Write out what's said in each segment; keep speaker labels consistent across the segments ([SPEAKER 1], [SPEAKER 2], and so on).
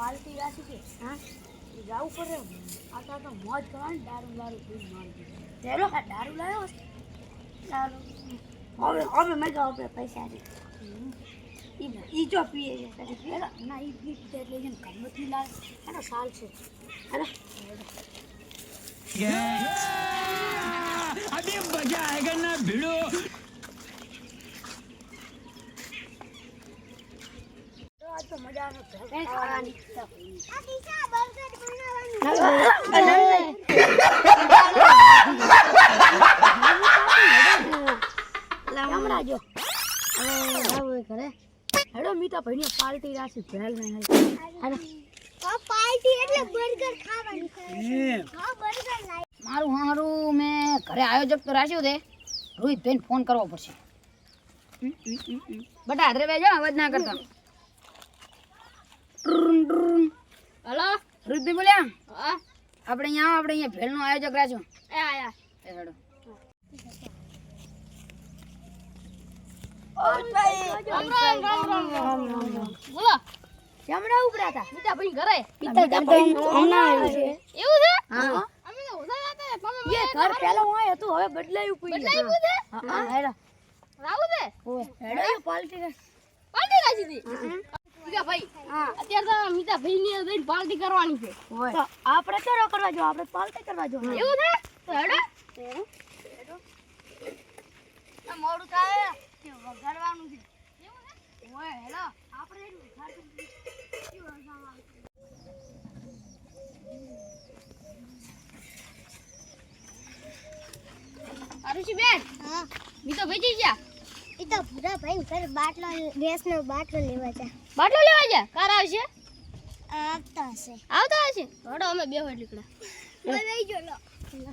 [SPEAKER 1] party રાખી છે હા જાવું પડે આ તો મોજ કરવાની દારૂ પીને મારી ચલો દારૂ લાવ્યો દારૂ હવે મેં કહો આપણે પૈસા દે ઈ જો પીએ છે તારી પીએ ના ઈ પીતે એટલે જેમ ગમતની લાલ એનો સાલ છે હેલો
[SPEAKER 2] अभी मजा आएगा ना भिड़ो
[SPEAKER 1] આજ તો મજા આવે ખાવાની
[SPEAKER 3] આ દિશા બર્ગર બનાવવાનું
[SPEAKER 1] હમણાં જો હવે ઘરે હેડો મીઠા ભાઈની પાર્ટી રાખી ભેલ ને હેડો
[SPEAKER 3] આ પાર્ટી એટલે બર્ગર ખાવાનું હા બર્ગર લાઈ
[SPEAKER 4] મારું હારું મેં ઘરે આયોજક તો રાખ્યું છે રોહિતભાઈને ફોન કરવો પડશે બટા હાથરે બેજો અવાજ ના કરતા હલો રોહિતભાઈ બોલ્યા હા આપણે અહીંયા ભેળનું આયોજક રાખ્યું એ આયા એ હેડો બોલો
[SPEAKER 1] જમણા ઉપરા હતા
[SPEAKER 4] મીઠા ભાઈ ઘરે
[SPEAKER 1] હમણાં આવ્યું છે
[SPEAKER 4] એવું છે
[SPEAKER 1] હા
[SPEAKER 4] અમે તો ઉધા હતા
[SPEAKER 1] એ ઘર પહેલા હું હતું હવે બદલાયું પડી હા હેડો
[SPEAKER 4] રાવું છે
[SPEAKER 1] હેડો એ પાર્ટી
[SPEAKER 4] પાર્ટી રાખી હતી મીઠા ભાઈ
[SPEAKER 1] હા
[SPEAKER 4] અત્યારે તો મીઠા ભાઈ ની જઈને પાર્ટી કરવાની છે
[SPEAKER 1] તો આપણે તો કરવા જો આપણે પાર્ટી કરવા જો
[SPEAKER 4] એવું છે તો હેડો
[SPEAKER 1] આ મોડું થાય કે વગાડવાનું છે એવું છે ઓય હેલો આપણે એટલું ખાતું
[SPEAKER 4] આરુષી બેન
[SPEAKER 3] હા
[SPEAKER 4] મીઠા ભાઈ જઈ ગયા
[SPEAKER 3] ઈ તો ભૂરા ભાઈ ઘર બાટલો ગેસનો બાટલો લેવા જા
[SPEAKER 4] બાટલો લેવા ગયા કાર આવશે
[SPEAKER 3] આવતા હશે
[SPEAKER 4] આવતા હશે હેડો અમે બે હોય નીકળ્યા
[SPEAKER 3] ઓય લઈ જો લો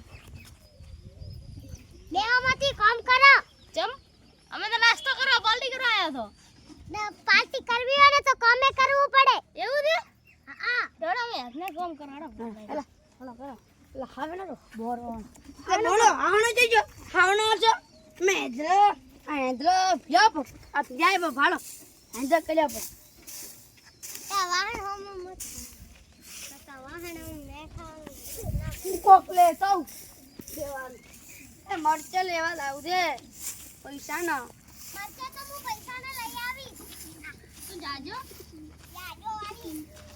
[SPEAKER 3] બેમાંથી કામ કરો
[SPEAKER 4] ચમ અમે તો નાસ્તો કરવા પાર્ટી કરવા આવ્યા તો
[SPEAKER 3] ને પાર્ટી કરવી હોય ને તો કામે કરવું પડે
[SPEAKER 4] એવું છે
[SPEAKER 3] હા
[SPEAKER 4] હેડો અમે હાથને કામ કરો હેડો
[SPEAKER 1] હેલો હેલો કરો એટલે હવે ના બોરવાનો આ બોલો આવણો જઈજો આવણો છો મે જો આંધ્રો ફ્યોપ આ જાય ભાળો આંધ્ર કર્યા પર
[SPEAKER 3] તા વાહન હોમ મત તા વાહન ને ખાવ
[SPEAKER 1] કોકલે સૌ દેવાનું એ મરચે લેવા લાવું છે પૈસા ના
[SPEAKER 3] મરચા તો હું પૈસા ને લઈ આવી
[SPEAKER 4] તું જાજો
[SPEAKER 3] યાદો વાળી